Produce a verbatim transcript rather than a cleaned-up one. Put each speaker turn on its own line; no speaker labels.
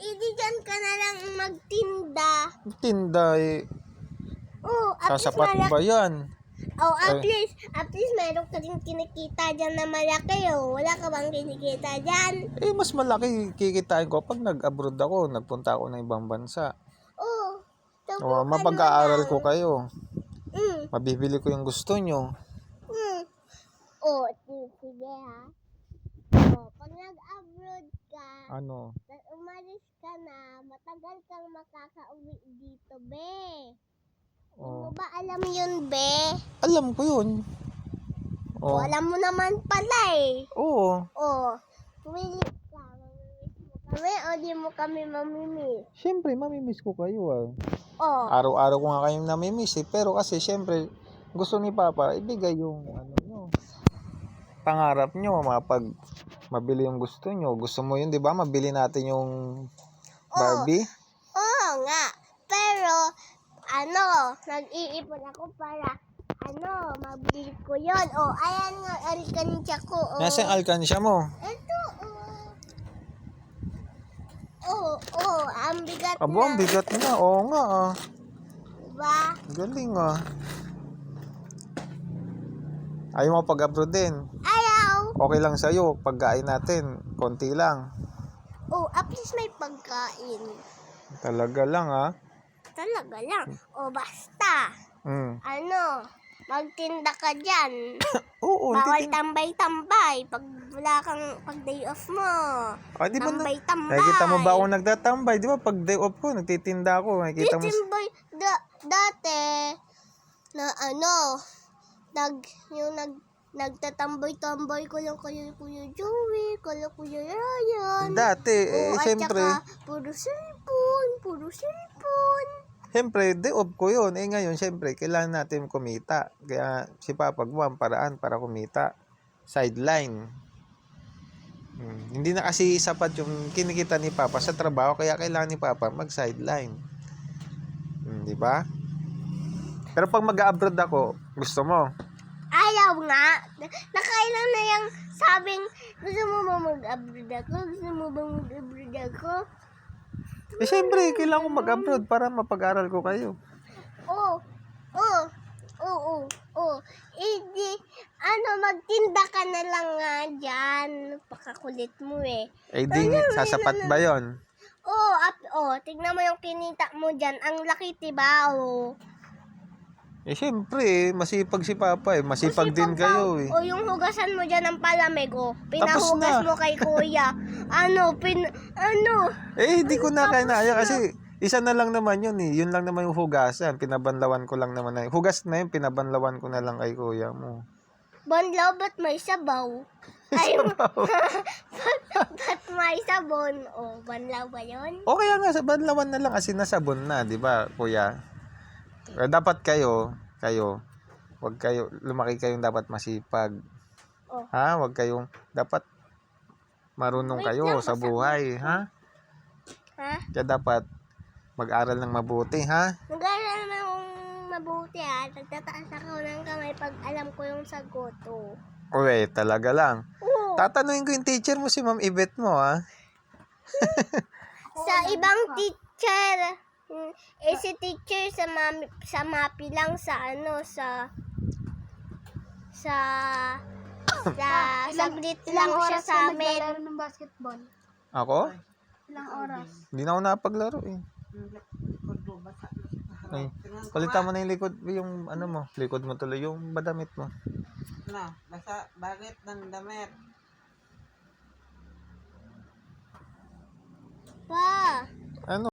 Hindi dyan ka na lang magtinda.
Tinda eh.
Oo, at least
Sasapat
malaki.
ba yan?
Oh, at
Eh.
least, at least meron ka din kinikita dyan na malaki, oh. Wala ka bang kinikita dyan?
Eh, mas malaki kikitain ko pag nag-abroad ako, nagpunta ako ng ibang bansa.
Oo.
O,
Subukan mo
mapag-aaral
lang.
ko kayo.
Mm.
Mabibili ko yung gusto nyo.
Mm. Oh, sige ha. Oh, pag nag-abroad ka,
Ano?
tas umalis ka na, matagal kang makakauwi dito, be. Hindi mo
Oh.
ba alam yun, be?
Alam ko yun.
Oh.
Oh.
Alam mo naman pala eh.
Oo.
Oh, pumili ka. Mamimiss mo kami o di mo kami mamimiss?
Siyempre, mamimiss ko kayo ah.
Oh.
Araw-araw ko nga kayong namimiss eh. Pero kasi siyempre, gusto ni Papa, ibigay yung ano nyo. Pangarap nyo, mapag mabili yung gusto nyo. Gusto mo yun, di ba? Mabili natin yung Barbie.
Oo, oh, nga. Pero, ano, nag-iipon ako para, ano, mabili ko yun. Oh, ayan nga, alkansya ko. Oh.
Nasa yung alkansya mo?
Ito, oh. Oh, oh, ang bigat
Abo,
na.
ang bigat na. Oo nga ah.
Diba?
Galing ah. Ayaw mo pag-abroad din?
Ayaw.
Okay lang sa'yo, pagkain natin, konti lang.
Oh, at least may pagkain.
Talaga lang ah.
Talaga lang. O basta,
Mm.
ano, magtinda ka dyan.
Oo,
Bawal
titin-
tambay-tambay pag wala kang pag day off mo.
Ah, di ba na-
Tambay-tambay.
nakikita mo ba ako nagtatambay? Di ba pag day off ko, nagtitinda ako. Nakikita mo.
Titimboy, da, dati, na ano, nag, yung nag, nagtatambay-tambay ko lang kayo Kuya Joey, kala Kuya Ryan.
Dati, eh,
O, at
siyempre,
saka, puro cellphone, puro cellphone.
siyempre, day off ko yun. Eh ngayon, siyempre, kailangan natin kumita. Kaya si Papa gumawa ang paraan para kumita. Sideline. Hmm. Hindi na kasi sapat yung kinikita ni Papa sa trabaho, kaya kailangan ni Papa mag-sideline. Hmm, di ba? Pero pag mag-abroad ako, gusto mo?
Ayaw nga. Nakailan na yung sabing, gusto mo ba mag-abroad ako? Gusto mo ba mag-abroad ako?
Eh siyempre, kailangan ko mag-abroad para mapag-aral ko kayo.
Oo. Oo. Oo. Oo. Hindi, ano, magtinda ka na lang nga dyan. Pakakulit mo eh.
Eh di, sasapat ba yon?
Oo. At, oh, tignan mo yung kinita mo dyan. Ang laki, diba? Oo.
Eh siyempre, masipag si Papa eh. Masipag din kayo eh.
O yung hugasan mo dyan ng palamig, oh.
Tapos
Pinahugas
na.
mo kay kuya. Ano, pin, ano.
Eh, hindi ko na kinaya kasi isa na lang naman yun eh. Yun lang naman yung hugasan. Pinabanlawan ko lang naman na. Hugas na yun, pinabanlawan ko na lang kay kuya mo.
Banlaw, ba't may sabaw? Ay, ba't may sabon? O, banlaw ba yun?
O kaya nga, sa banlawan na lang kasi nasabon na, di ba, kuya? Eh, dapat kayo, kayo, wag kayo, lumaki kayong dapat masipag.
Oh.
Ha? Wag kayong, dapat marunong
Wait
kayo
lang,
sa
basta-
buhay, ha?
Ha?
Kaya dapat mag-aral ng mabuti, ha?
Nag-aaral na akong mabuti ha. Nagtataas ako ng kamay pag alam ko yung sagot. Oh.
Uwe, talaga lang.
Oo.
Tatanungin ko yung teacher mo, si Ma'am Yvette mo, ha?
Sa ibang teacher, mm, eh si teacher sa mami, sa mapi lang sa ano sa sa sa saglit lang siya sa amin.
Naglalaro ng basketball?
Ako?
Ilang oras?
Hindi na ako napaglaro, eh. Ay, palitan mo na yung likod, yung ano mo, likod mo tuloy, yung badamit mo.
Na, basta bakit ng damit?
Pa,
Ano?